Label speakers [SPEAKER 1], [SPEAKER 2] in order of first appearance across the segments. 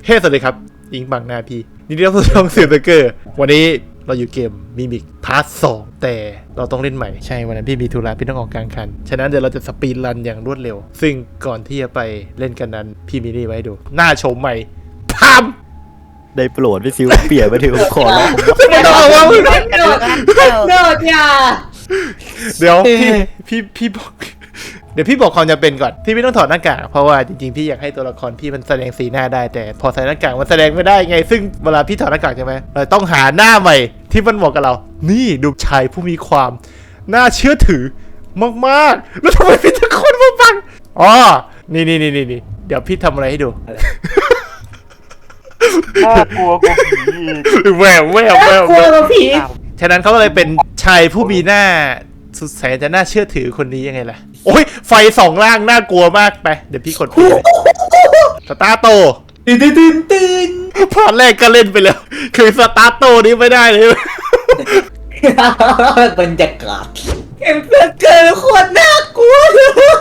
[SPEAKER 1] เฮ้สวัสดีครับอิงบังนาพี่นี่เรียกว่าช่องสื่อเบเกอร์วันนี้เราอยู่เกมมิมิกพาร์ท 2แต่เราต้องเล่นใหม่ใช่วันนั้นพี่มีธุระพี่ต้องออกกลางคันฉะนั้นเดี๋ยวเราจะสปีดรันอย่างรวดเร็วซึ่งก่อนที่จะไปเล่นกันนั้นพี่มีนี่ไว้ดูหน้าโฉมใหม่พาม
[SPEAKER 2] ได้โปรดพี่ซิวเปลี่ยนมาถึงขอร้อง
[SPEAKER 1] ไม่ต้องเอาว่ามึง
[SPEAKER 3] โดดอย่า
[SPEAKER 1] เดี๋ยวพี่บอกเดี๋ยวพี่บอกความจำเป็นก่อนที่พี่ต้องถอดหน้ากากเพราะว่าจริงๆพี่อยากให้ตัวละครพี่มันแสดงสีหน้าได้แต่พอใส่หน้ากากมันแสดงไม่ได้ไงซึ่งเวลาพี่ถอดหน้ากากใช่ไหมเราต้องหาหน้าใหม่ที่มันเหมาะกับเรานี่ดูชายผู้มีความน่าเชื่อถือมากๆแล้วทำไมพี่ตะโกนมาฟังอ๋อนี่เดี๋ยวพี่ทำอะไรให้ดู
[SPEAKER 4] น่ากลัวกว่าผี
[SPEAKER 1] แวว
[SPEAKER 3] กลัวกับผี
[SPEAKER 1] ฉะนั้นเขาก็เลยเป็นชายผู้มีหน้าสุดแสนจะน่าเชื่อถือคนนี้ยังไงล่ะโอ้ยไฟสองล่างน่ากลัวมากไปเดี๋ยวพี่กดเลยสตาร์โตตื่นพอแรกก็เล่นไปแล้วคือสตาร์โตนี้ไม่ได้เลย
[SPEAKER 3] บรรยากาศเอ็มเพื่อนเกินโคตรน่ากลัวเลย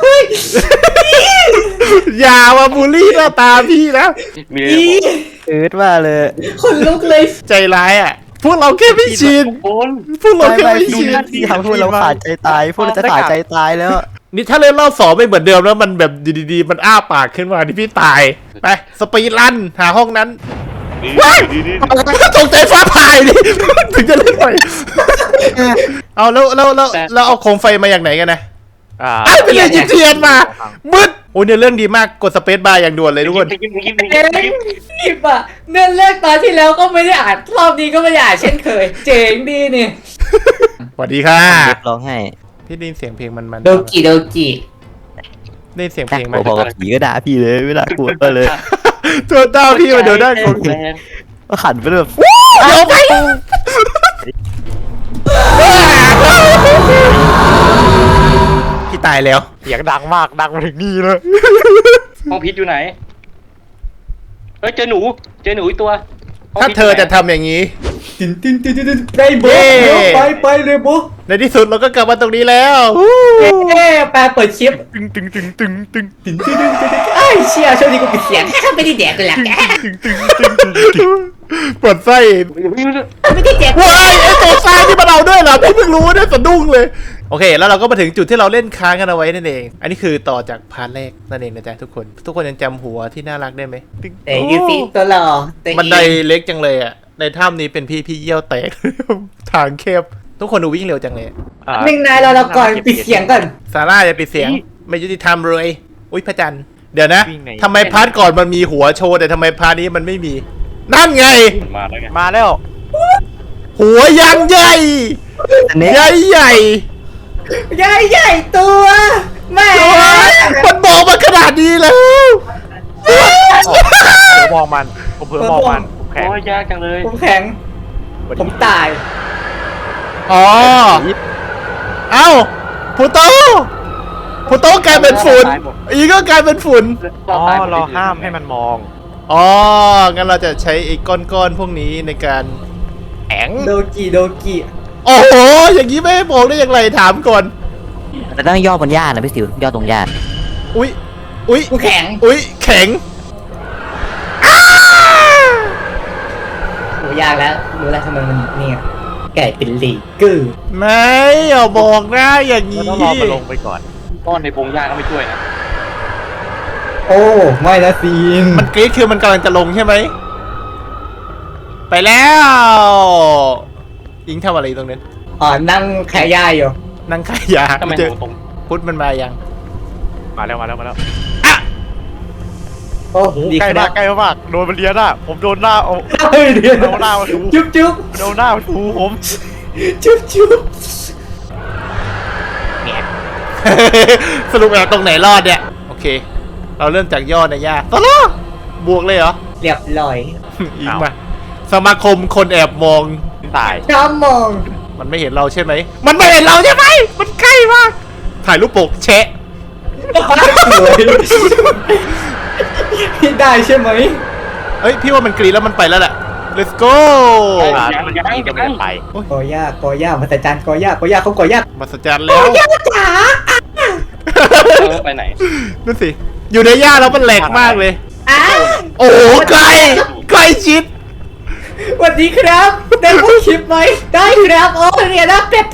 [SPEAKER 1] อย่ามาบูลลี่หน้าตาพี่นะ
[SPEAKER 4] มีอะไรบอก
[SPEAKER 2] ว่าเลย
[SPEAKER 3] คนลุกเลย
[SPEAKER 1] ใจร้ายอ่ะพวกเราแค่ไม่ชิน
[SPEAKER 4] โอน
[SPEAKER 1] พวกเรา
[SPEAKER 2] ไม่
[SPEAKER 1] แค่
[SPEAKER 2] ไม่
[SPEAKER 1] ไม่
[SPEAKER 2] พี่
[SPEAKER 1] ชิน
[SPEAKER 2] ที่ทำให้เราขาดใจตายพวกเราจะขาดใจตายแล้ว
[SPEAKER 1] นี่ถ้าเล่นรอบสองไม่เหมือนเดิมแล้วมันแบบดีๆมันอ้าปากขึ้นมาที่พี่ตายไปสปีดรันหาห้องนั้น ว้ายตกใจฟ้าผ่าดิ ถึงจะเล่นไปเอาแล้วเอาโคมไฟมาอย่างไหนกันนะไอ้ไปเรียนยิงเทียนมามืดโอ้ยเนี่ยเรื่องดีมากกดสเปซบาร์อย่างด่วนเลยทุกคน
[SPEAKER 3] เอ็งรีบอ่ะเนื่องแรกตอนที่แล้วก็ไม่ได้อ่านรอบนี้ก็ไม่ได้อ่านเช่นเคย เจ๋งดีนี่
[SPEAKER 1] สวัสดีค่ะ
[SPEAKER 2] ร้องให้
[SPEAKER 1] พี่ได้ยินเสียงเพลงมัน
[SPEAKER 3] โดกิโดกิ
[SPEAKER 1] ได้ยินเสียงเพลงไหม
[SPEAKER 2] พอกับผีก็ด่าพี่เลยไม่น่ากลัวเลย
[SPEAKER 1] ตัวเต้าพี่มาเดี๋ยวได้คน
[SPEAKER 2] ก็ขันไปแบบ
[SPEAKER 1] เดี๋ยวไปพี่ตายแล้ว
[SPEAKER 4] เสียงดังมากดังมาถึงนี่เลยห้องพิษอยู่ไหนเฮ้ยเจอหนูอีกตัว
[SPEAKER 1] ถ้าเธอจะทำอย่างนี้
[SPEAKER 3] ได้โบ
[SPEAKER 1] เย้
[SPEAKER 3] ไปเลยโบ
[SPEAKER 1] ในที่สุดเราก็กลับมาตรงนี้แล้ว
[SPEAKER 3] แปลเปิดคลิป
[SPEAKER 1] ตึง
[SPEAKER 3] ไอ้เชี่ยช่วงนี้กูปิดเสียงไม่ได้แดกเลยแหละแก
[SPEAKER 1] ปวดไส้
[SPEAKER 3] ไม่ได้แดก
[SPEAKER 1] ว้ายไอตัวซ้ายที่มาเราด้วยเหรอพี่เพิ่งรู้เนี่ยสะดุ้งเลยโอเคแล้วเราก็มาถึงจุดที่เราเล่นค้างกันเอาไว้นั่นเองอันนี้คือต่อจากพาร์ทแรกนั่นเองนะจ๊ะทุกคนยังจำหัวที่น่ารักได้ไหม
[SPEAKER 3] แต่ยูซีตัวหล่อ
[SPEAKER 1] บันไดเล็กจังเลยอ่ะในถ้ำนี้เป็นพี่เยี่ยวแตก ทางแคบทุกคนดูวิ่งเร็วจังเลย
[SPEAKER 3] หนึ่งนายเราก่อนปิดเสียงก่อน
[SPEAKER 1] ซาร่าอย่าปิดเสียงไม่ยุติธรรมเลยอุ้ยพระจันทร์เดี๋ยวนะทำไมพาร์ทก่อนมันมีหัวโชว์แต่ทำไมพาร์ทนี้มันไม่มีนั่นไง
[SPEAKER 4] มาแล้วไง
[SPEAKER 2] มาแล้ว
[SPEAKER 1] หัวยังใหญ่
[SPEAKER 2] อันนี้
[SPEAKER 1] ใหญ่
[SPEAKER 3] ใหญ่ตัวแม่
[SPEAKER 1] มันบอกมาขนาดนี้แล้ว
[SPEAKER 4] ผมมองมันผมเพิ่มมองมันผมแข็งโอ้ยยากจังเลย
[SPEAKER 3] ผมแข็งผมตาย
[SPEAKER 1] อ๋อเอ้าพูโตกลายเป็นฝุ่นอีก็กลายเป็นฝุ่น
[SPEAKER 4] เราห้ามให้มันมอง
[SPEAKER 1] อ๋องั้นเราจะใช้ไอ้ก้อนพวกนี้ในการแข็ง
[SPEAKER 3] โดกิ
[SPEAKER 1] โอ้โหอย่างนี้ไม่ให้บอกได้อย่างไรถามก่อน
[SPEAKER 2] แต่ต้องย่อบนหญ้านะพี่ซิวย่อตรงหญ้า
[SPEAKER 1] อุ้ย
[SPEAKER 3] กูแข็ง
[SPEAKER 1] แข็ง
[SPEAKER 3] โหยากแล้วรู้แล้วทำไมมันเนี่ยไก่เป็นลีกึ่
[SPEAKER 1] ไม่อย่าบอกนะอย่าง
[SPEAKER 4] เรา
[SPEAKER 1] นี้
[SPEAKER 4] ต้องรอมันลงไปก่อนต้อนในพงหญ้าก็ไม่ช่วยนะ
[SPEAKER 3] โอ้ไม่นะซีน
[SPEAKER 1] มันกรี๊ดคือมันกำลังจะลงใช่ไหมไปแล้วอิงทำอะไรอยู่ตรงนั้น
[SPEAKER 3] นั่งแค่ย่าอยู่
[SPEAKER 1] นั่งขายยา
[SPEAKER 4] ทำไม
[SPEAKER 1] เจอ
[SPEAKER 4] ตรง
[SPEAKER 1] พุทธมันมายัง
[SPEAKER 4] มาแล้ว
[SPEAKER 3] โอ้ดี
[SPEAKER 4] ใกล้
[SPEAKER 3] ครั
[SPEAKER 4] มาก
[SPEAKER 3] บ
[SPEAKER 4] ใกล้มากโดนมันเลียหน้าผมโดนหน้าเอา
[SPEAKER 3] เฮ้ยเดี๋ยว
[SPEAKER 4] โดนหน้ามาถู
[SPEAKER 3] จุ๊บ
[SPEAKER 4] โดนหน้ามาถูผม
[SPEAKER 3] จุ๊บ
[SPEAKER 1] สรุปแล้วตรงไหนรอดเนี่ยโอเค เราเริ่มจากย่อในย่าต่อแล้วบวกเลยเหรอ
[SPEAKER 3] เรียบร้อย
[SPEAKER 1] อีกมาสมาคมคนแอบมอง
[SPEAKER 4] ตาย
[SPEAKER 3] ชอบมอง
[SPEAKER 1] มันไม่เห็นเราใช่ไหมมันไม่เห็นเราใช่ไหมมันใกล้มากถ่ายรูปปกแชะ
[SPEAKER 3] สวยได้ใช่ไหม
[SPEAKER 1] เอ้ยพี่ว่ามันกรีดแล้วมันไปแล้วแหละ let's go
[SPEAKER 4] มันยังไม่ได้ไป
[SPEAKER 3] กอย่ามาแต่จานกอย่าเขากอย่า
[SPEAKER 1] มาสจรรย์แล้ว
[SPEAKER 3] จ๋า
[SPEAKER 4] ไปไหน
[SPEAKER 1] นั่นสิอยู่ในหญ้าแล้วมันแหลกมากเลย
[SPEAKER 3] อ่ะ
[SPEAKER 1] โอ้โหไกลชิด
[SPEAKER 3] สวัสดีครับได้พูดคลิปไหมได้ครับโอ้เนี่ยนะเปียบ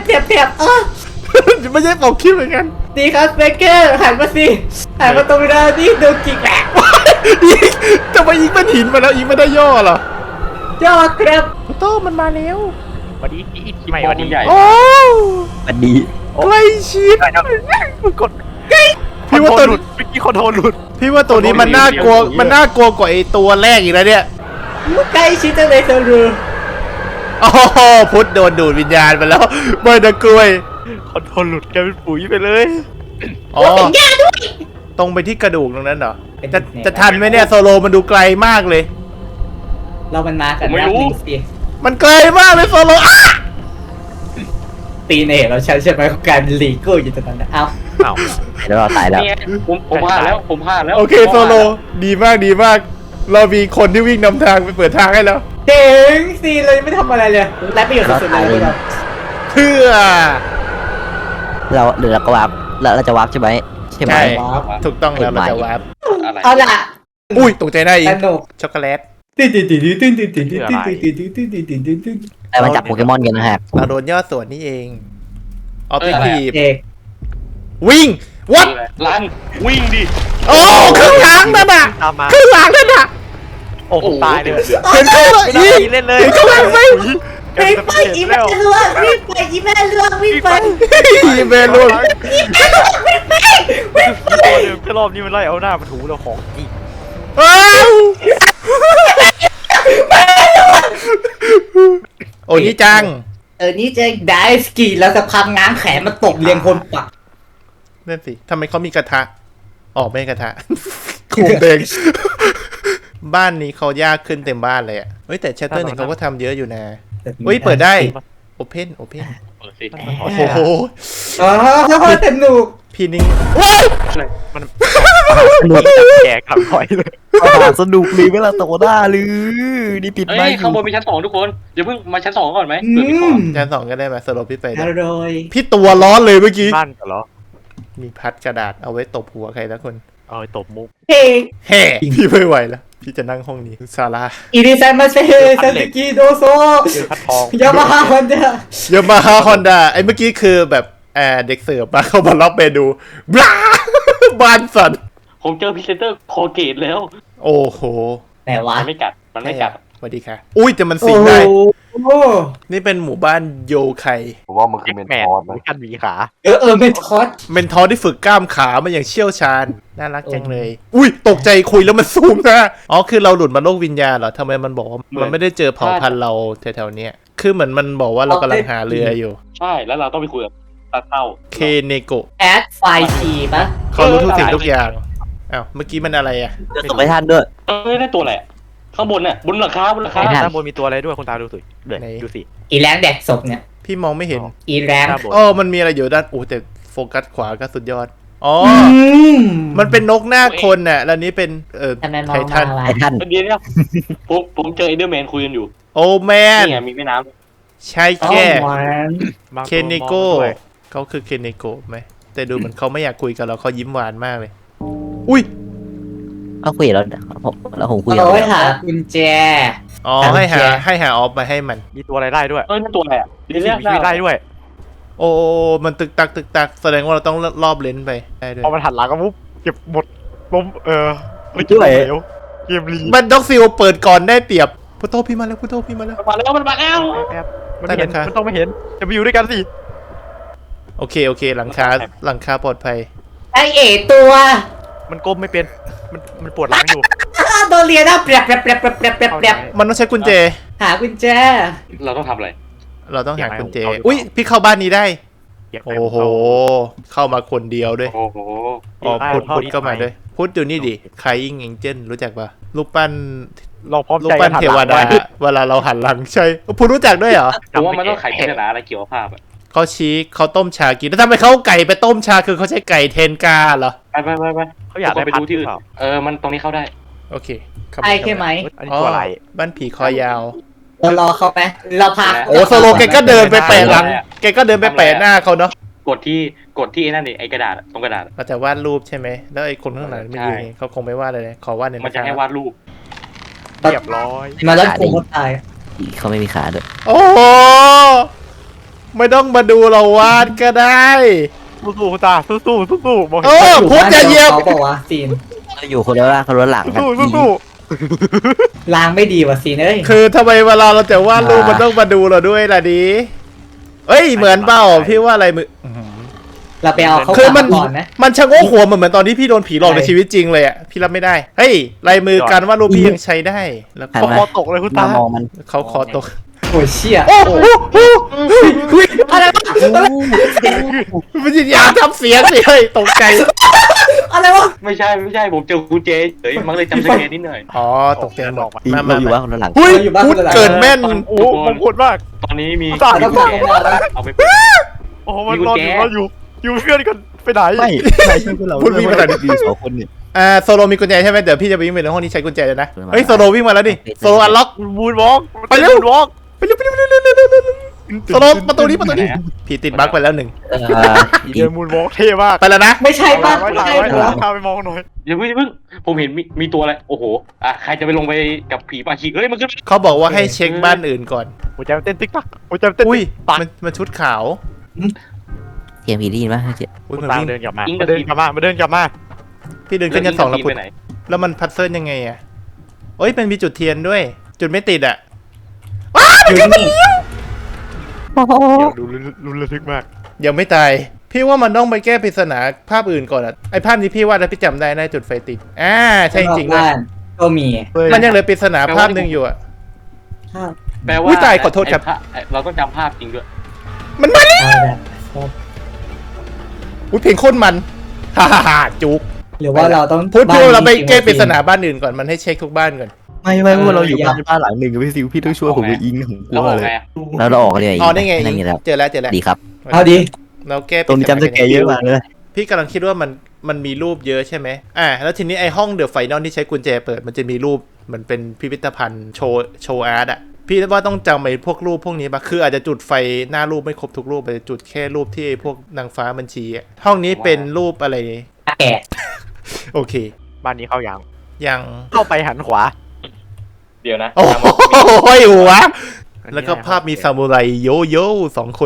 [SPEAKER 1] ไม่ใช่ปกคลิปเหมือนกัน
[SPEAKER 3] ดีครับเบเกอร์หันมาสิหันมาตรงนี้นี่ดูกิ่งแหลก
[SPEAKER 1] ยิงจะไปยิงเป็นหินมาแล้วยิงไม่ได้ย่อเหรอย่
[SPEAKER 3] อครับ
[SPEAKER 1] โต้มันมาแล้ว
[SPEAKER 5] สวัสดีอีกทีใหม่สวัสดี
[SPEAKER 4] ใหญ่
[SPEAKER 1] โอ้
[SPEAKER 2] มันดี
[SPEAKER 1] ใกล้ชิด
[SPEAKER 5] มึงกด
[SPEAKER 1] พี่ว่าตัว
[SPEAKER 5] หลุดเมื่อกี้คอนโทรลหลุด
[SPEAKER 1] พี่ว่าตัวนี้มันน่ากลัวกว่าไอตัวแรกอีกแล้วเนี่ย
[SPEAKER 3] ใกล้ชิดจังเลยเธอรู้
[SPEAKER 1] โอ้โหพุทธโดนดูดวิญญาณไปแล้วไม่นะกล้วย
[SPEAKER 5] คอนโทรลหลุดกลายเป็นปุ๋ยไปเลย
[SPEAKER 1] อ๋อตรงไปที่กระดูกตรงนั้นเหรอจะทันไหมเนี่ยโซโลมันดูไกลมากเลย
[SPEAKER 3] เรามันมากันนับหนึ่งสิ
[SPEAKER 1] มันไกลมากเลยโซโลอ่ะ
[SPEAKER 3] ตีเนตเราใช่ไหมของการลีโก้อยู่ตรงนั้นเอ้า
[SPEAKER 5] อ้าว
[SPEAKER 2] แล้วเราตายแล้ว
[SPEAKER 4] นี่ไงผมพลาดแล้วผมพลาดแล้ว
[SPEAKER 1] โอเคโซโลดีมากเรามีคนที่วิ่งนำทางไปเปิดทางให้แล้ว
[SPEAKER 3] เจ๋งสิเลยไม่ทำอะไรเลยและประโยชน์สุดๆเลยเรา
[SPEAKER 1] เพื่อ
[SPEAKER 2] เราหรือเราก็วาร์ปเราจะวาร์ปใช่ไหม
[SPEAKER 1] ใช่ถูกต้องแล้วเราจะวาร์ป
[SPEAKER 4] อะไร
[SPEAKER 3] เอาล่ะ
[SPEAKER 1] อุ้ยตกใจได้อี
[SPEAKER 3] ส
[SPEAKER 1] ก
[SPEAKER 3] นุก
[SPEAKER 1] ช็อกโกแลต
[SPEAKER 2] แต่มันจับโปเกมอนกันนะฮะ
[SPEAKER 1] เราโดนยอดส่วนนี่เองออฟทีฟ
[SPEAKER 3] เด็ก
[SPEAKER 1] วิ่งวัด
[SPEAKER 4] ลันวิ่งดิ
[SPEAKER 1] โอ้ครึ่งหลังนั่นน่ะ
[SPEAKER 5] ตามมา
[SPEAKER 1] ครึ่งหลังนั่นน่ะ
[SPEAKER 5] โอ้โหตายเลย
[SPEAKER 1] เห็นเขาเลย
[SPEAKER 5] ไม่
[SPEAKER 1] ยิ
[SPEAKER 5] ได้
[SPEAKER 1] ง
[SPEAKER 5] เล่นเลย
[SPEAKER 1] เห็นเขาเลยไหม
[SPEAKER 3] ไปอีแม่เลือกวิ่งไปอีแม่เลือกวิ่งไป
[SPEAKER 1] ยิงเบลูน
[SPEAKER 5] ตัวเดิมแค่รอบนี้มันไล่เอาหน้ามาถูเราของอีก
[SPEAKER 1] อ้าวโอ้นี่จัง
[SPEAKER 3] นี่จะได้สกีแล้วจะพังง้างแขนมาตบเรียงคนปัก
[SPEAKER 1] นั่นสิทำไมเขามีกระทะออกไม่กระทะคูเบงบ้านนี้เขายากขึ้นเต็มบ้านเลยอ่ะเฮ้ยแต่แชตเตอร์หนึ่งเขาก็ทำเยอะอยู่นะเฮ้ยเปิดได้โอเพน
[SPEAKER 4] เปิดสิ
[SPEAKER 1] โอ้โห
[SPEAKER 3] อ๋อสนุก
[SPEAKER 1] พี่นิ่งว้าย
[SPEAKER 5] มัน
[SPEAKER 2] สนุก
[SPEAKER 5] แก่กลับถอยเลย
[SPEAKER 2] สนุกเลยเวลาโตหน้าหรือนี่ปิด
[SPEAKER 4] เอ้
[SPEAKER 2] ไม่
[SPEAKER 4] ยข้างบนมีชั้น 2ทุกคนเดี๋ยวเพิ่งมาชั้น 2ก่อนไหม
[SPEAKER 3] อื
[SPEAKER 4] เผื่อมีของ
[SPEAKER 3] ม
[SPEAKER 1] จานสองก็ได้ไหมสโลปพี่ไป
[SPEAKER 3] อ
[SPEAKER 1] ได้
[SPEAKER 3] ร่อย
[SPEAKER 1] พี่ตัวร้อนเลยเมื่อกี้
[SPEAKER 5] บ้านกันเหรอ
[SPEAKER 1] มีพัดกระดาษเอาไว้ตบหัวใครสักคน
[SPEAKER 5] เอาไปตบมุก
[SPEAKER 3] เฮ้
[SPEAKER 1] แห่พี่ไม่ไหวแล้วพี่จะนั่งห้องนี้ซาร่า
[SPEAKER 3] อิริซันมาเซซาสึกิโดโซ
[SPEAKER 5] เจอพัดทอง
[SPEAKER 3] ยามาฮ่าฮอนด้า
[SPEAKER 1] ยามาฮ่าฮอนด้าไอ้เมื่อกี้คือแบบเด็กเสิร์ฟมาเข้ามาล็อกเมนูบลาบานสัน
[SPEAKER 4] ผมเจอพรีเซนเตอร์โคเกตแล้ว
[SPEAKER 1] โอ้โห
[SPEAKER 3] แต่ว่า
[SPEAKER 4] มันไม่กัดมันไม่กัด
[SPEAKER 1] สวัสดีค่ะ อุ้ยแต่มัน
[SPEAKER 3] โอ้
[SPEAKER 1] สิง
[SPEAKER 3] โห
[SPEAKER 1] ได้ นี่เป็นหมู่บ้านโยไค
[SPEAKER 6] ผมว่ามันคือเมน
[SPEAKER 5] แมน
[SPEAKER 6] ทอสนะ
[SPEAKER 5] มีกันหวีขา
[SPEAKER 3] ไม่ทอด
[SPEAKER 1] เมนทอร์ที่ฝึกกล้ามขามาอย่างเชี่ยวชาญ น่ารักจังเลย อุ้ยตกใจคุยแล้วมันซูมนะอ๋อคือเราหลุดมาโลกวิญญาณเหรอทำไมมันบอกว่ามันไม่ได้เจอเผ่าพันธุ์เราแถวๆเนี้ยคือเหมือนมันบอกว่าเรากำลังหาเรืออยู่
[SPEAKER 4] ใช่แล้วเราต้องไปคุยกับตาเต้า
[SPEAKER 1] เคเนโกะ
[SPEAKER 3] แอดไฟทีปะ
[SPEAKER 1] เขารู้ทุกสิ่งทุกอย่างอ้าวเมื่อกี้มันอะไรอ่ะ
[SPEAKER 2] เจอศพไอ้ท่านด้วย
[SPEAKER 4] ได้ตัวอะไรอะข้างบนน่ะบนหลังคา
[SPEAKER 2] ไอ้ท่าน
[SPEAKER 5] ด้านบนมีตัวอะไรด้วยคุณตาดูสิเดี๋ยวดูสิ
[SPEAKER 3] อีแรงแดกศพเนี่ย
[SPEAKER 1] พี่มองไม่เห็น
[SPEAKER 3] อีแรง
[SPEAKER 5] ด้านบน
[SPEAKER 1] อ๋อมันมีอะไรอยู่ด้านโอ้แต่โฟกัสขวาก็สุดยอดอ๋อ
[SPEAKER 3] ม
[SPEAKER 1] มันเป็นนกหน้าคนน่ะแล้วนี้เป็น
[SPEAKER 3] ทำไมมอ
[SPEAKER 1] ไท
[SPEAKER 3] ง
[SPEAKER 1] ทัน
[SPEAKER 3] มา
[SPEAKER 2] ไอ้ท่าน
[SPEAKER 4] เดี๋ยวเนี่ยผมเจอเอเดอร์แมนคุยกันอยู่
[SPEAKER 1] โอ้แมน
[SPEAKER 4] นี่ไงมีแม่น้
[SPEAKER 1] ใช่
[SPEAKER 3] อ๋อ
[SPEAKER 1] แค่
[SPEAKER 3] หวาน
[SPEAKER 5] บาง
[SPEAKER 1] เค
[SPEAKER 5] ตัว
[SPEAKER 1] เน
[SPEAKER 5] มอง
[SPEAKER 1] โก้
[SPEAKER 5] ด้วย
[SPEAKER 1] เขาคือเคเนโก้ไหมแต่ดูเหมือนเขาไม่อยากคุยกับเราเขายิ้มหวานมากเลย อุ้ย
[SPEAKER 2] เขาคุยแล้วแล้วผมคุย
[SPEAKER 3] เอาไว้หากุญแจ
[SPEAKER 1] อ๋อ
[SPEAKER 3] ทำ
[SPEAKER 1] ให้หา
[SPEAKER 3] แชร์
[SPEAKER 1] ให้หาออฟมาให้มัน
[SPEAKER 5] มีตัวอะไรได้ด้วย
[SPEAKER 4] ำนั่นตัวอะไรอ่ะเดี๋ยว
[SPEAKER 5] มี
[SPEAKER 4] เรียก
[SPEAKER 5] ชีวิตได้ด้วย
[SPEAKER 1] โอ้มันตึกตักแสดงว่าเราต้องรอบเลนส์ไปได้ด้วย
[SPEAKER 5] พอมันหันหลังก็ปุ๊บเก็บหมดล้มไม่เก็บเหลวเกมรี
[SPEAKER 1] มันด็อกฟิลเปิดก่อนได้เปรียบพุทโธพี่มาแล้วพุทโธพี่มาแล้ว
[SPEAKER 4] มันมาแล้วมันมาแล้ว
[SPEAKER 5] แอบมันไม่เห็น
[SPEAKER 1] ได้นะคะ
[SPEAKER 5] มันต้องไม่เห็นจะไปอยู่ด้วยกันสิ
[SPEAKER 1] โอเคหลังคาปลอดภัย
[SPEAKER 3] ไอเอตัว
[SPEAKER 5] มันก้มไม่เป็นมันปวดหลังอยู่
[SPEAKER 3] โดนเรียนนะเปรียบ
[SPEAKER 1] มันต้องใช้กุญแจ
[SPEAKER 3] หากุญแจ
[SPEAKER 4] เราต้องทำอะไร
[SPEAKER 1] เราต้องหากุญแจอุ้ยพี่เข้าบ้านนี้ได้
[SPEAKER 5] เก็บไป
[SPEAKER 1] โอ้โห เข้ามาคนเดียวด้วย
[SPEAKER 4] โอ้โห
[SPEAKER 1] อ๋อพุทธก็มาด้วยพุทธอยู่นี่ดิคายอิงเอ็งเจนรู้จักปะรูปปั้น
[SPEAKER 5] เราพร้อม
[SPEAKER 1] รูป
[SPEAKER 5] ใจ
[SPEAKER 1] ปั้น
[SPEAKER 5] หั
[SPEAKER 1] เท
[SPEAKER 5] ห
[SPEAKER 1] ว
[SPEAKER 5] ลัง
[SPEAKER 1] ดา
[SPEAKER 5] ไว้
[SPEAKER 1] เวลาเราหันหลังใช่พุทธรู้จักด้วยเหรอ
[SPEAKER 4] ผมว่ามันต้องไขปริศนาอะไรเกี่ยวกับภาพอ่ะ
[SPEAKER 1] เขาชี้เขาต้มชากินแล้วทำไมเขาเอาไก่ไปต้มชาคือเขาใช้ไก่เทนกาเหรอ
[SPEAKER 4] ไป
[SPEAKER 5] เขาอยากได้
[SPEAKER 4] ไป
[SPEAKER 5] พัด
[SPEAKER 4] ดูที่อื่น
[SPEAKER 5] หรือเปล่า
[SPEAKER 4] มันตรงนี้เข้าได้
[SPEAKER 1] โอเคเข้า
[SPEAKER 3] ไอใช่ไหม
[SPEAKER 5] อันนี้
[SPEAKER 1] อ๋อ
[SPEAKER 5] ตัวอะไร
[SPEAKER 1] บ้านผีคอยาว
[SPEAKER 3] เรารอเขาไหมเราพา
[SPEAKER 1] โอ้โซโลแกก็เดินไปแปะหลังแกก็เดินไปแปะหน้าเขาเนาะ
[SPEAKER 4] กดที่ไอ้นั่นนี่ไอ้กระดาษตรงกระดาษ
[SPEAKER 1] เราจะวาดรูปใช่ไหมแล้วไอ้คนข้างหลังมันยืนอย่างงี้เขาคงไม่วาดเลยขอวาดหน่อย
[SPEAKER 4] มัน
[SPEAKER 1] นะค
[SPEAKER 4] จะ
[SPEAKER 1] รับ
[SPEAKER 4] ให้วาดรูป
[SPEAKER 5] เรียบร้อย
[SPEAKER 3] มาแล้วกูก็ตาย
[SPEAKER 2] เขาไม่มีขาด้วย
[SPEAKER 1] โอ้โหไม่ต้องมาดูเราวาดก็ได้
[SPEAKER 5] สู้ๆคุณตาสู้ๆสู้ๆบอก
[SPEAKER 1] เออพุทธจะเหยียบ
[SPEAKER 3] เขาบอกว่าซีน
[SPEAKER 2] เราอยู่คนละล่างคนละหลังกัน
[SPEAKER 5] สู้
[SPEAKER 3] ล้างไม่ดีว่ะซีนเอ้ย
[SPEAKER 1] คือทำไมเวลาเราจะวาดรูปมันต้องมาดูเราด้วยล่ะดีเอ้ยเหมือนเปล่าพี่ว่าอะไรมือ
[SPEAKER 3] เราไปเอาเขา
[SPEAKER 1] คือมัน
[SPEAKER 3] ก่อนไหม
[SPEAKER 1] มันชะโงกหัวเหมือนตอนที่พี่โดนผีหลอกในชีวิตจริงเลยอ่ะพี่รับไม่ได้เฮ้ยลายมือการวาดรูปพี่ยังใช้ได้แล้ว
[SPEAKER 2] หัน
[SPEAKER 5] ๆ
[SPEAKER 2] มา
[SPEAKER 5] คอตกเลยคุณ
[SPEAKER 2] มา
[SPEAKER 5] ตาม
[SPEAKER 2] องมัน
[SPEAKER 1] เขาคอตก
[SPEAKER 3] โอ้ยเชี่ย
[SPEAKER 1] โอ้โหอะไรวะมันจะยาทำเสียงสิเฮ้ยตกใจ
[SPEAKER 3] อะไรวะ
[SPEAKER 4] ไม่ใช่ผมเจอกุญแจเฉยมันเลยจำสเกตนิดหน่อย
[SPEAKER 1] อ๋อตกใจหมด
[SPEAKER 2] เราอยู่ว่าคนละหลัง
[SPEAKER 1] เฮ้ย
[SPEAKER 3] เราอยู่บ้าน
[SPEAKER 1] พูด
[SPEAKER 3] คนละหลัง
[SPEAKER 1] เกินแม่น
[SPEAKER 5] โอ้มงคลมาก
[SPEAKER 4] ตอนนี้มี
[SPEAKER 5] ตาย
[SPEAKER 4] กุญแจเอาไปเปิด
[SPEAKER 5] โอ้มันรออยู่เพื่อนกันไปไหน
[SPEAKER 2] ไม่ใช่พวกเรา
[SPEAKER 1] พูดวิ่งมาหน่อยดิ
[SPEAKER 2] ดีสองคนเนี่ย
[SPEAKER 1] โซโลมีกุญแจใช่ไหมเดี๋ยวพี่จะไปวิ่งไปในห้องนี้ใช้กุญแจเลยนะเฮ้ยโซโลวิ่งมาแล้วดิโซโลอันล็อก
[SPEAKER 5] บูนวอล์ก
[SPEAKER 1] ไปเร็ว
[SPEAKER 5] บูนวอล์ก
[SPEAKER 1] ไปเร็วโซโลประตูนี้ผีติดบั๊กไปแล้วหนึ่ง
[SPEAKER 5] เดินบูนวอล์กเท่มาก
[SPEAKER 1] ไปแล้วนะ
[SPEAKER 3] ไม่ใช่ป่ะ
[SPEAKER 5] ไว้
[SPEAKER 3] ไม่ใช่
[SPEAKER 5] ไว้
[SPEAKER 3] เหรอ
[SPEAKER 5] พาไปมองหน่อย
[SPEAKER 4] อย่าเพิ่งผมเห็นมีตัวอะไรโอ้โหใครจะไปลงไปกับผีปาชีเอ้ยมันขึ้น
[SPEAKER 1] เขาบอกว่าให้เช็คบ้านอื่นก่อน
[SPEAKER 5] หัวใจมันเต้นติ๊กตักหัวใจมันเต้น
[SPEAKER 1] อุ้ย
[SPEAKER 5] ตัก
[SPEAKER 1] มันชุดขาว
[SPEAKER 2] เกมผีได้ยินปะเจ๊
[SPEAKER 1] อุ้ย
[SPEAKER 5] คุ
[SPEAKER 1] มั
[SPEAKER 5] ณ
[SPEAKER 1] น
[SPEAKER 5] ตา
[SPEAKER 1] วิ่ง
[SPEAKER 5] เดินกลับมาเดินกลับมา
[SPEAKER 1] พี่เดินขึ้นชั้นสองแล้ว
[SPEAKER 4] ไป
[SPEAKER 1] พุทธ
[SPEAKER 4] ไหน
[SPEAKER 1] แล้วมันพัซเซิลยังไงอ่ะเอ้ยมันมีจุดเทียนด้วย จุดไม่ติดอ่ะ
[SPEAKER 3] อยู่นี่
[SPEAKER 5] เดี๋ยวดูรุนระทึกมาก
[SPEAKER 1] ยังไม่ตาย พี่ว่ามันต้องไปแก้ปริศนาภาพอื่นก่อนอ่ะไอภาพนี้พี่ว่าแล้วพี่จำได้นะจุดไฟติดใช่จริงด้วย
[SPEAKER 3] บ้านก็มี
[SPEAKER 1] มันยังเหลือปริศนาภาพหนึ่งอยู่อ่ะ
[SPEAKER 4] แปล
[SPEAKER 1] อุ๊
[SPEAKER 4] ว่าย
[SPEAKER 1] ตายขอโทษครับ
[SPEAKER 4] เราต้องจำภาพจริงด้วย
[SPEAKER 1] มันมาแล้ว
[SPEAKER 3] เอาแบบ
[SPEAKER 1] อุ้ยเพลงโคตรมัน ฮ่าฮ่าจุก
[SPEAKER 3] หรือว่าเราต้อง
[SPEAKER 1] พูดเราไปแก้ปริศ
[SPEAKER 3] บ้
[SPEAKER 1] นาบ้านอื่นก่อนมันให้เช็คทุกบ้านก่อน
[SPEAKER 2] ไม่พวกเราอยู่บ้านหลังหนึ่งพี่ซิวพี่ต้องช่วยผมไปอิงของกู
[SPEAKER 4] แล้วออก
[SPEAKER 2] เลย
[SPEAKER 4] ไง
[SPEAKER 2] แล้วเราออกกันเลย
[SPEAKER 1] อ๋อได้ไง
[SPEAKER 2] นั่นไงแล้ว
[SPEAKER 1] เจอแล้ว
[SPEAKER 2] ดีครับ
[SPEAKER 3] เอาดี
[SPEAKER 1] เราแก้ป
[SPEAKER 2] ตรง
[SPEAKER 1] ริ
[SPEAKER 2] นี้
[SPEAKER 1] ศนา
[SPEAKER 2] จำสแกร์เยอะมากเลย
[SPEAKER 1] พี่กำลังคิดว่ามันมีรูปเยอะใช่ไหมแล้วทีนี้ไอห้องเดอะไฟนอลที่ใช้กุญแจเปิดมันจะมีรูปเหมือนเป็นพิพิธภัณฑ์โชว์อาร์ตอ่ะพี่ว่าต้องจำไอ้พวกรูปพวกนี้ปะคืออาจจะจุดไฟหน้ารูปไม่ครบทุกรูปอาจจะจุดแค่รูปที่ไอ้พวกนางฟ้าบัญชีอ่ะห้องนี้เป็นรูปอะไร
[SPEAKER 3] แก่
[SPEAKER 1] โอเค
[SPEAKER 5] บ้านนี้เข้ายัง
[SPEAKER 1] ยัง
[SPEAKER 5] เข้าไปหันขวา
[SPEAKER 4] เดี๋ยวนะ
[SPEAKER 1] โอ้โหหัวแล้วก็ภาพมีซามูไรโยโย่สองคน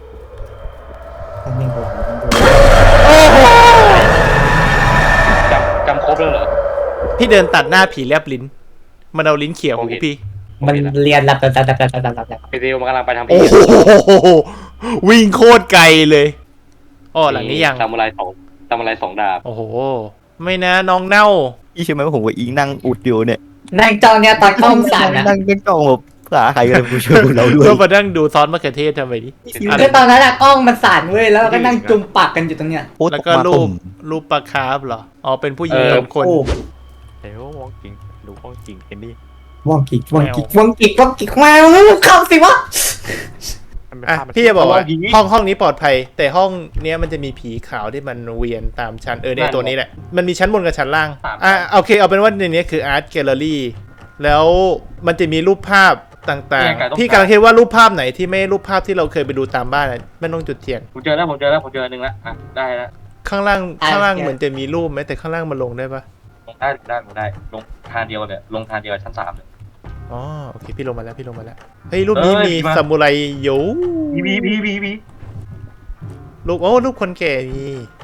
[SPEAKER 4] จำครบแล้วเหรอ
[SPEAKER 1] พี่เดินตัดหน้าผีแลบลิ้นมันเอาลิ้นเขี่ยหูพี่
[SPEAKER 3] มันเรียนหลับ
[SPEAKER 4] ไอเดลมันกำลังไปทำ
[SPEAKER 1] โอ้
[SPEAKER 4] พิธี
[SPEAKER 1] โหวิ่งโคตรไกลเลยอ๋อหลังนี้ยัง
[SPEAKER 4] ซามูไรสองดาบ
[SPEAKER 1] โอ้โห ไม่นะน้องเน่า
[SPEAKER 2] พี่เชื่อไหมว่าผมกับอิงนั่งอุดอยู่เนี่ย
[SPEAKER 3] นั่งจ้องเนี่ยตอนกล้องสั่นนะ
[SPEAKER 2] นั่งจ้องแบบขาใครกันผู้ช่วยเราด้วย
[SPEAKER 1] ก็มานั่งดูซอสมะเขือเทศทำไมดิ
[SPEAKER 3] คือตอนนั้นอะกล้องมันสั่นเว้ยแล้วเราก็นั่งจุ่มปากกันอยู่ตรงเนี้ย
[SPEAKER 1] แล้วก็รูปปลาคาร์ฟเหรอ อ๋อ เป็นผู้หญิงสองคน
[SPEAKER 3] โอ้
[SPEAKER 5] เดี๋ยวมองจริงดูมองจริงเอ็นนี่
[SPEAKER 3] ว่องกิกมาเข้าสิวะ
[SPEAKER 5] มันเป็น
[SPEAKER 1] อ่ะ
[SPEAKER 5] ภาพมัน
[SPEAKER 1] พี่จะบอกว่าห้องนี้ปลอดภัย แต่ห้องเนี้ยมันจะมีผีขาวที่มันเวียนตามชั้นในตัวนี้แหละ มันมีชั้นบนกับชั้นล่าง โอเค เอาเป็นว่าในนี้คืออาร์ตแกลเลอรี่ แล้วมันจะมีรูปภาพต่างๆ พี่กำลังคิดว่ารูปภาพไหนที่ไม่รูปภาพที่เราเคยไปดูตามบ้านอะไม่ต้องจุดเทียน
[SPEAKER 4] ผมเจอแล้วผมเจออันหนึ่งแล้วได้แล้ว
[SPEAKER 1] ข้างล่างเหมือนจะมีรูปไหมแต่ข้างล่างมันลงได้ปะ
[SPEAKER 4] ลงได้ลงทางเดียวเนี่ยลงทางเดียวกับชั้น3เลย
[SPEAKER 1] อ๋อโอเคพี่ลงมาแล้วเฮ้ยรูปนี้มีซามูไรโย
[SPEAKER 4] พี
[SPEAKER 1] รูปรูปคนแก่มี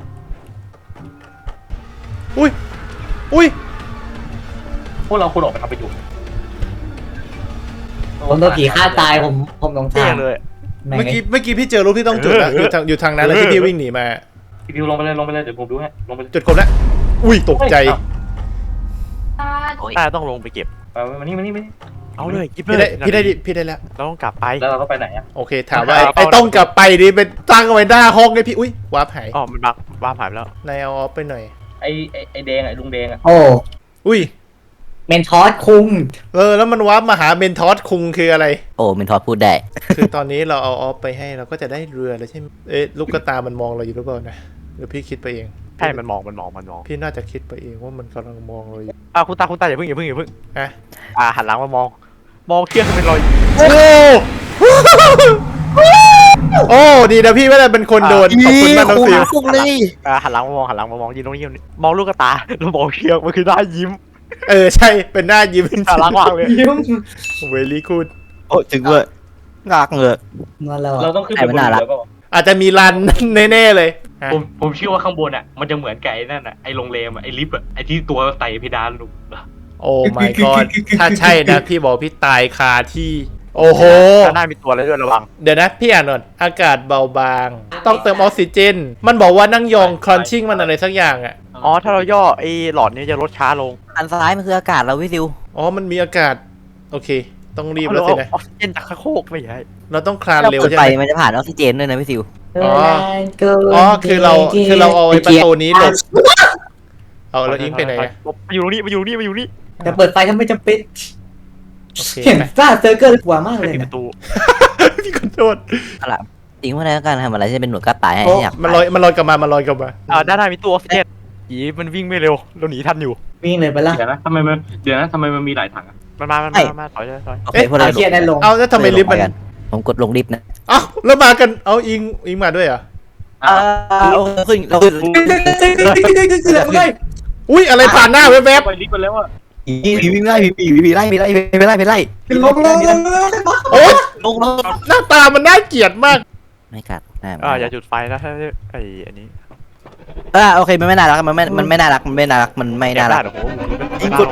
[SPEAKER 1] อุ้ย
[SPEAKER 4] พวกเราควรออกไปทำประโยชน์
[SPEAKER 3] ผมโดนผีฆ่าตายผมหลง
[SPEAKER 5] เท่
[SPEAKER 3] ทาง
[SPEAKER 5] เลย
[SPEAKER 1] เมื่อกี้พี่เจอรูปที่ต้องจุดแล้วอยู่ทางนั้นแล้วที่พี่วิ่งหนีมา
[SPEAKER 4] พี่พิวลงไปเลยเดี๋ยวผมดูให้ลงไปเลย
[SPEAKER 1] จุดครบแล้วอุ้ยตกใจ
[SPEAKER 5] ต้องลงไปเก็บ
[SPEAKER 4] มานี่
[SPEAKER 5] เอาเลยกิบ
[SPEAKER 1] พี่
[SPEAKER 5] เล
[SPEAKER 1] ได้
[SPEAKER 5] ย
[SPEAKER 1] พี่ได้แล้ว
[SPEAKER 5] เราต้องกลับไป
[SPEAKER 4] แล้วเราก็ไปไหนอ่ะ
[SPEAKER 1] โอเคถามว่าไอ้ต้องกลับไปดิเป็นตั้งเอาไว้หน้าห้องเลยพี่อุ้ยวาร์ปหาย
[SPEAKER 5] อ๋อมันบักบ้าหายไปแล้ว
[SPEAKER 1] นายเอาออฟไปหน่อย
[SPEAKER 4] ไอ้แดงไอ้ลุงแดงอ่ะ
[SPEAKER 3] โอ้
[SPEAKER 1] อุ้ย
[SPEAKER 3] เมนทอสคุง
[SPEAKER 1] แล้วมันวาร์ปมาหาเมนทอสคุงคืออะไร
[SPEAKER 2] โอ้เมนทอสพูดได้
[SPEAKER 1] คือตอนนี้เราเอาออฟไปให้เราก็จะได้เรือแล้วใช่ไหมลูกกระตามันมองเราอยู่หรือเปล่านะหรือพี่คิดไปเอง
[SPEAKER 5] ใช่มันมอง
[SPEAKER 1] พี่น่าจะคิดไปเองว่ามันกำลังมองเราอยู่
[SPEAKER 5] คุณตาอย่าเพิ่ง
[SPEAKER 1] อะ
[SPEAKER 5] หันหลังมามองเครื่องเป็นรอย
[SPEAKER 1] โอ้โอ้ดีนะพี่ไม่ได้เป็นคนโดนขอบคุณมากน้องฟิว
[SPEAKER 2] พวกเลย
[SPEAKER 5] หันหลังมามองยืนตรงนี้มองลูกตาแล้วมองเคียงมันคือได้ยิ้ม
[SPEAKER 1] ใช่เป็นหน้ายิ้ม
[SPEAKER 5] น่ารักมากเลย
[SPEAKER 3] ยิ้ม
[SPEAKER 1] เวลี่กูด
[SPEAKER 2] โอ้ถึงเลยงากเลย
[SPEAKER 3] มาแล้ว
[SPEAKER 4] เรา
[SPEAKER 3] อะ
[SPEAKER 4] ต้องขึ้นไปบนเรือก็
[SPEAKER 1] อาจจะมีรันแน่ๆเลยฮะ
[SPEAKER 4] ผมเชื่อว่าข้างบนอ่ะมันจะเหมือนไก่นั่นอ่ะไอ้โรงแรมอ่ะไอ้ลิฟต์อ่ะไอ้ที่ตัวไต่เพดานลูก
[SPEAKER 1] โอ้ my god ถ้าใช่นะพี่บอกพี่ตายคาที่ โอ้โห
[SPEAKER 5] ด้านหน้ามีตัวอะไรด้วยระวัง
[SPEAKER 1] เดี๋ยวนะพี่อ่านก่อนอากาศเบาบาง ต้องเติมออกซิเจน มันบอกว่านั่งยองครอนชิ่งมันอะไรสักอย่างอ่ะ
[SPEAKER 5] อ๋อถ้าเราย่อไอ้หลอดนี้จะลดช้าลง
[SPEAKER 2] อันซ้ายมันคืออากาศเราวิซิว
[SPEAKER 1] อ๋อมันมีอากาศ โอเค ต้องรีบแล้วสินะ
[SPEAKER 5] ออกซิเจนจากข้างโคกไม่ใช่
[SPEAKER 1] เราต้องคลาน
[SPEAKER 2] เรา
[SPEAKER 1] เร็ว
[SPEAKER 2] เปิด
[SPEAKER 1] ใช่
[SPEAKER 2] ไฟ
[SPEAKER 1] ไหม
[SPEAKER 2] มันจะผ่านออกซิเจนด้วยนะวิซิว
[SPEAKER 1] อ๋อคือเราเอาไอ้ประตูนี้หลบเอาแล้วอิงไปไหนอะ
[SPEAKER 5] มาอยู่นี่
[SPEAKER 3] จะเปิดไฟถ้าไม่จำเป็น
[SPEAKER 1] โอเค
[SPEAKER 3] เห็น
[SPEAKER 1] ไป
[SPEAKER 3] ซ่าเซอร์เกอร์กลัวมากเลย
[SPEAKER 5] ปิดป
[SPEAKER 3] นะ
[SPEAKER 5] ระตู
[SPEAKER 1] พี่ขอโทษ
[SPEAKER 2] เอาล่ะจริงว่าในการทำอะไรที่เป็นหน่วยกล้าตายให้
[SPEAKER 3] โอ้
[SPEAKER 2] อยาก
[SPEAKER 1] มันลอยกลับมากลับมา
[SPEAKER 5] ด้านหน้ามีตัวออกซิเจนผีมันวิ่งไม่เร็วเราหนีทันอยู่
[SPEAKER 3] วิ่งเลยไปละ
[SPEAKER 4] เดี๋ยวนะทำไมมันมีหลายถังอ่ะ
[SPEAKER 5] มันมาถอย
[SPEAKER 2] โอเคพวกเรา
[SPEAKER 3] เอาเชียร์นั่นลง
[SPEAKER 1] เอาแล้วทำไมลิฟต์มัน
[SPEAKER 2] ผมกดลงลิฟต์นะ
[SPEAKER 1] เอ้าแล้วมากัน เอาอิงมาด้วยเหรอ
[SPEAKER 2] เราขึ้นเราขึ้น
[SPEAKER 1] อุ้ยอะไรผ่านหน้าแวบ
[SPEAKER 4] ไปลิฟต์ไปแล้วอ่ะ
[SPEAKER 2] ผีวิ่งไล่ผีไล่
[SPEAKER 3] ลง
[SPEAKER 1] ๆโอ๊ย
[SPEAKER 2] ลง
[SPEAKER 1] หน้าตามันน่าเกลียดมาก
[SPEAKER 2] ไม่กัด
[SPEAKER 5] อย่าจุดไฟนะถ้าไอ้อันนี้
[SPEAKER 2] โอเคมันไม่น่ารักมันไม่น่ารักมันไม่น่ารักมันไม่น่ารัก
[SPEAKER 5] โอ้โห
[SPEAKER 2] ยิงกด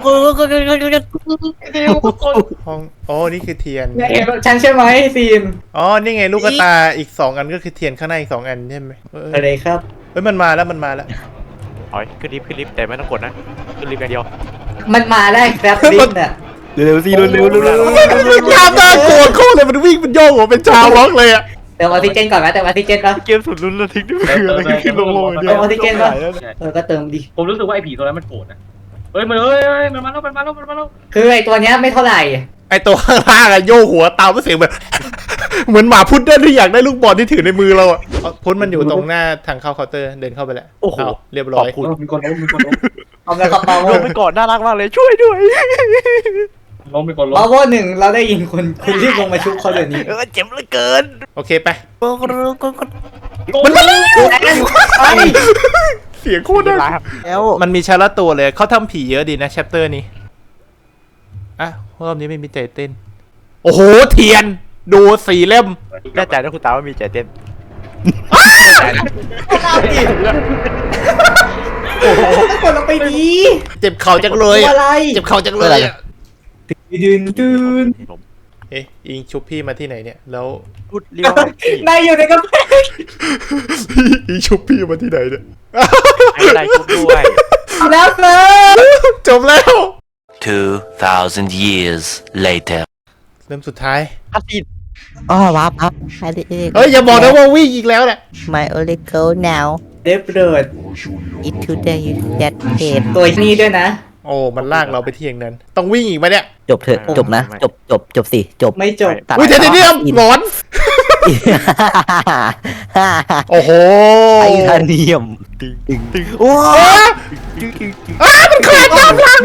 [SPEAKER 1] ห้องอ๋อนี่คือเทียน
[SPEAKER 3] ฉันใช่ไหมซีน
[SPEAKER 1] อ๋อ นี่ไงลูกตาอีก2อันก็คือเทียนข้างในอีก2อันใช่ไหมเ
[SPEAKER 3] อะไรครับ
[SPEAKER 1] ฮ้ยมันมาแล้ว
[SPEAKER 5] ถอยขึ้นลิฟต์แต่ไม่ต้องกดนะขึ้นลิฟต์อย่างเดียว
[SPEAKER 3] มันมาได้ครับลิฟต์น่ะ
[SPEAKER 2] เร็วสิเร็ว
[SPEAKER 1] มันภาพน่ากลัวโคตรเลยมันวิ่งมันโยกหัวเป็นชาวล็อกเลยอะ
[SPEAKER 3] เติมออกซิเจนก่อนไหมเติมออกซิเจนปะ
[SPEAKER 5] เกมสุดลุ้นระทึกนี่คืออะไรขึ้นลงเดียว
[SPEAKER 3] เติมออกซิเจนปะก็เติมดิ
[SPEAKER 4] ผมรู้สึกว่าไอ้ผีตัวนั้นมันโกรธนะมันมาแล้ว
[SPEAKER 3] คือไอตัวเนี้ยไม่เท่าไหร่
[SPEAKER 1] ไอตัวข้างล่างอะโยกหัวตามเสียงแบบ เหมือนหมาพุดเดิ้ลที่อยากได้ลูกบอลที่ถือในมือเราอะพุดมันอยู่ตรงหน้าทางเข้าเคาน์เตอร์เดินเข้าไปแล้ว
[SPEAKER 5] โอ้โห
[SPEAKER 1] เาเรียบ
[SPEAKER 5] ข
[SPEAKER 1] ร้
[SPEAKER 5] อ
[SPEAKER 1] อบ ย
[SPEAKER 5] คุณ
[SPEAKER 4] มีคนล้ม
[SPEAKER 3] เอาแล้วกระเป๋า
[SPEAKER 5] ลงไปก่อนน่ารักมากเลยช่วยด้วย
[SPEAKER 4] มีคนล้
[SPEAKER 3] บาม โวหนึ่งเราได้ยินคุณรีบลงมาชุบเขาเดี๋ยวนี้
[SPEAKER 5] เจ็บเหลือเกิน
[SPEAKER 1] โอเคไป
[SPEAKER 3] มันมาแล้วไป
[SPEAKER 1] เสียงโคตรดัง
[SPEAKER 2] แล้ว
[SPEAKER 1] มันมีชาร์ลตัวเลยเขาทำผีเยอะดีนะแชปเตอร์นี้อ่ะรอบนี้ไม่มีใจเต้น โอ้โหเทียนดู4 เล่ม
[SPEAKER 5] แน่ใจนะคุณตาว่ามีใจเต้น
[SPEAKER 3] กดลงไปดี
[SPEAKER 1] เจ็บเข่าจังเลยอะ
[SPEAKER 3] อะไร
[SPEAKER 1] เจ็บเข่าจังเลยอะ
[SPEAKER 3] ดืน
[SPEAKER 1] เอ๊ะอิงชุบพี่มาที่ไหนเนี่ยแล้ว
[SPEAKER 5] พูดเรียกว่าน
[SPEAKER 3] ายอยู่ในกระเป๋า
[SPEAKER 1] อิงชุบพี่มาที่ไหนเนี่ย
[SPEAKER 5] ให้ได้ชุบด้วย
[SPEAKER 3] แล้วเซิร์ฟ
[SPEAKER 1] จบแล้ว
[SPEAKER 6] 2,000 years later.
[SPEAKER 1] เริ่มสุดท้าย
[SPEAKER 5] คัสซีน
[SPEAKER 2] อ๋อวับครับ
[SPEAKER 1] เฮ้ยอย่าบอกนะว่าวิ่งอีกแล้วแหละ
[SPEAKER 2] My only goal now
[SPEAKER 3] เดฟเดิร์ด
[SPEAKER 2] is to the that head
[SPEAKER 3] ตัวนี้ด้วยนะ
[SPEAKER 1] โอ้มันลากเราไปที่อย่างนั้น ต้องวิ่งอีกไหมเนี่ย
[SPEAKER 2] จบเถอะจบนะจบสิจบ
[SPEAKER 3] ไม่จบ
[SPEAKER 2] ตัด
[SPEAKER 1] อุ้ยเดี๋ยวหงอน โอ้โห
[SPEAKER 2] ไทเทเนียม
[SPEAKER 5] ตึง
[SPEAKER 2] โอ้
[SPEAKER 1] มันขาดยามหลัง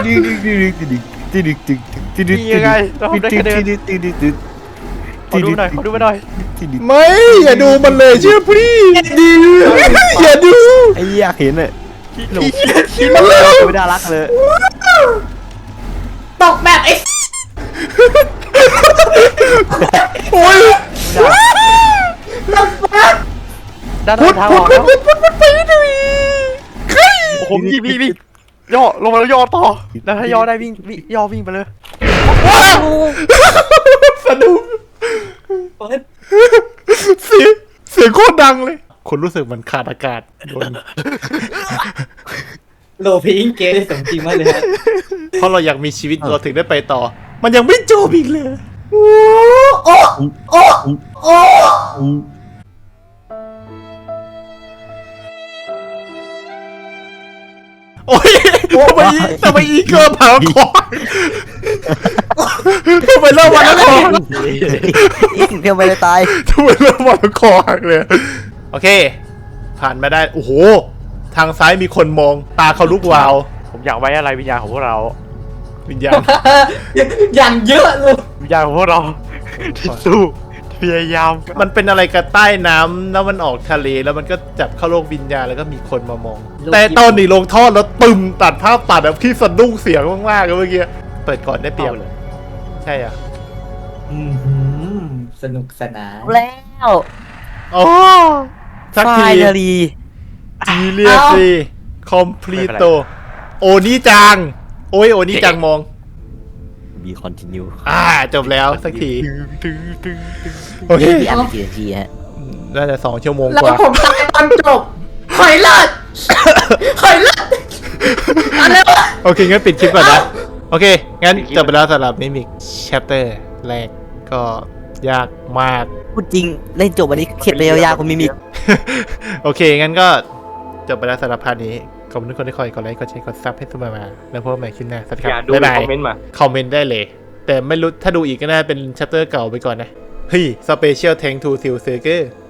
[SPEAKER 5] นี่ยังไงเราได้คะแนนขอดูหน่อย
[SPEAKER 1] ไม่อย่าดูมันเลยเชื่อพี่อย่าดู
[SPEAKER 2] ไอ้อยากเห็นเลย
[SPEAKER 1] คิดมันเลย
[SPEAKER 2] ไม่น่ารักเลย
[SPEAKER 3] ตกแบบไอ้
[SPEAKER 1] โอ้ย
[SPEAKER 3] ลำบาก
[SPEAKER 5] ด้าน
[SPEAKER 1] พุด
[SPEAKER 5] ทาง
[SPEAKER 1] พุ
[SPEAKER 5] อ
[SPEAKER 1] ด
[SPEAKER 5] อก
[SPEAKER 1] พุ
[SPEAKER 5] แล้ว
[SPEAKER 1] ดพุดพุดพุดไปดูใคร
[SPEAKER 5] โอ้โหวิ่งย่อลงมาแล้วย่อต่อแล้วถ้าย่อได้วิ่งย่อวิ่งไปเลย
[SPEAKER 1] ว้าวสะดุ้งเสียงโคตรดังเลยคนรู้สึกเหมือนขาดอากาศโดน
[SPEAKER 3] โลพิงเกได้สมจริงมากเลยฮะ
[SPEAKER 1] เพราะเราอยากมีชีวิตเราถึงได้ไปต่อ มันยังไม่จบอีกเลย
[SPEAKER 3] โอ้โอ้โอ้
[SPEAKER 1] โอ้ยทำไมอีเกิลเผาคอทำไมเริ่มวันละคอ
[SPEAKER 2] เพียงไปเลยตาย
[SPEAKER 1] ทำไมเริ่มวันละคอหักเลยโอเค ผ่านมาได้โอ้โหทางซ้ายมีคนมองตาเขาลุกวาว
[SPEAKER 5] ผมอยากไว้อะไรวิญญาณของพวกเรา
[SPEAKER 1] วิญญาณ
[SPEAKER 3] อย่างเยอะเลย
[SPEAKER 5] วิญญาณของพวกเราที่สู้พยายาม
[SPEAKER 1] มันเป็นอะไรกับใต้น้ำแล้วมันออกทะเลแล้วมันก็จับเข้าโลกวิญญาณแล้วก็มีคนมามอง แต่ตอนนี้ลงท่อแล้วตึมตัดภาพตัดแบบที่สะดุ้งเสียงมากๆเลยเมื่อกี้เปิดก่อนได้เปรียบใช่อ่ะ
[SPEAKER 3] สนุกสนาน
[SPEAKER 2] แล้ว
[SPEAKER 1] อ๋อสักที
[SPEAKER 2] finally
[SPEAKER 1] จีเรียซีคอมพลีโตโอนี่จังโอ้ยโอนี่จังมอง
[SPEAKER 2] be continue
[SPEAKER 1] จบแล้วสักที โอเค
[SPEAKER 2] พี่อัดไปกี่นาทีฮะ
[SPEAKER 1] น่าจะ2 ชั่วโมง
[SPEAKER 3] แล้ว
[SPEAKER 1] กว่า
[SPEAKER 3] ผมตายตอนจบหอยเลิศหอยเลิศอะไรวะ
[SPEAKER 1] โอเค งั้นปิดคลิปก่อนนะ โอเค งั้นจบไปแล้วสำหรับมิมิกแชปเตอร์แรกก็ยากมาก
[SPEAKER 2] พูดจริงเล่นจบวันนี้เข็ดเลยยาวๆคุณมิมิก
[SPEAKER 1] โอเค งั้นก็จบไปแล้วสำหรับพาร์ทนี้ขอบคุณทุกคนที่คอยกดไลค์กดแชร์กดซับให้เสมอมาแล้วพบกันใหม่คลิปหน้าสวัสดีค
[SPEAKER 4] อย่า
[SPEAKER 1] รับ
[SPEAKER 4] ดู
[SPEAKER 1] บ๊าย
[SPEAKER 4] ใน
[SPEAKER 1] บาย
[SPEAKER 4] คอมเมนต์มา
[SPEAKER 1] คอมเมนต์ได้เลย แต่ไม่รู้ถ้าดูอีกก็น่าเป็นแชปเตอร์เก่าไปก่อนนะ เฮ้ย Special Tank to Seal Seeker